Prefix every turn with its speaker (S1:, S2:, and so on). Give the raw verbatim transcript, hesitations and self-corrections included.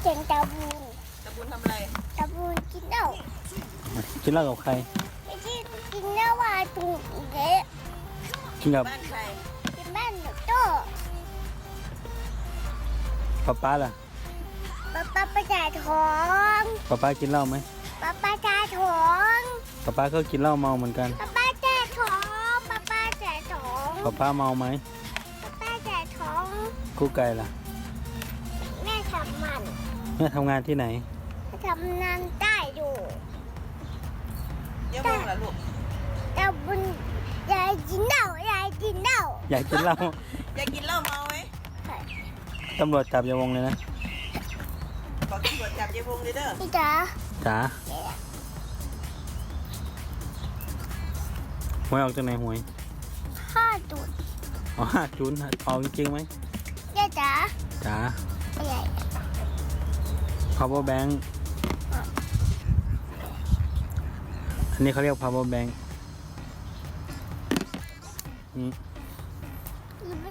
S1: เสียงตาบูน
S2: ตะบุญทำอะไร
S1: ตาบูนกินเหล้า
S3: กินเหล้ากับใคร
S1: ไม่ใช่กินเหล้าว่าตุงเละ
S3: กินกับ
S2: บ้านใคร
S1: กินบ้านหนูโต
S3: ป๊าป๊าล่ะ
S1: ป้าป้าประจ่ายท้อง
S3: ป๊าป๊ากินเหล้าไหม
S1: ป้าป้าจ่ายท้อง
S3: ป๊าป๊าก็กินเหล้าเมาเหมือนกัน
S1: ป้าป้าจ่ายท้องป้าป้าจ่ายท้อง
S3: ป๊าป๊าเมาไหม
S1: ป้าป้าจ่ายท้อง
S3: กู้ไก่ล่ะ
S1: แม่ทำมัน
S3: แม่ทำงานที่ไหน
S1: ทำงานได้อยู่
S2: เยอะมากเหรอลูก
S1: ตาบุญยายกินเหล้ายายกินเหล้า
S3: อยากกินเหล้า
S2: อยากกินเหล้าเมาไหม
S3: ตำรวจจับอย่าวงเลยนะ
S2: บอกตำรวจจับยายวงเลยเด้อ
S1: พี่จ๋า
S3: จ๋าหวยออกจากไหนหวย
S1: พ่อดูด
S3: อ๋อห้าจุนออกจริงๆไหม
S1: ยายจ๋า
S3: จ๋า
S1: ใหญ่
S3: power bank อันนี้เขาเรียก power bank นี่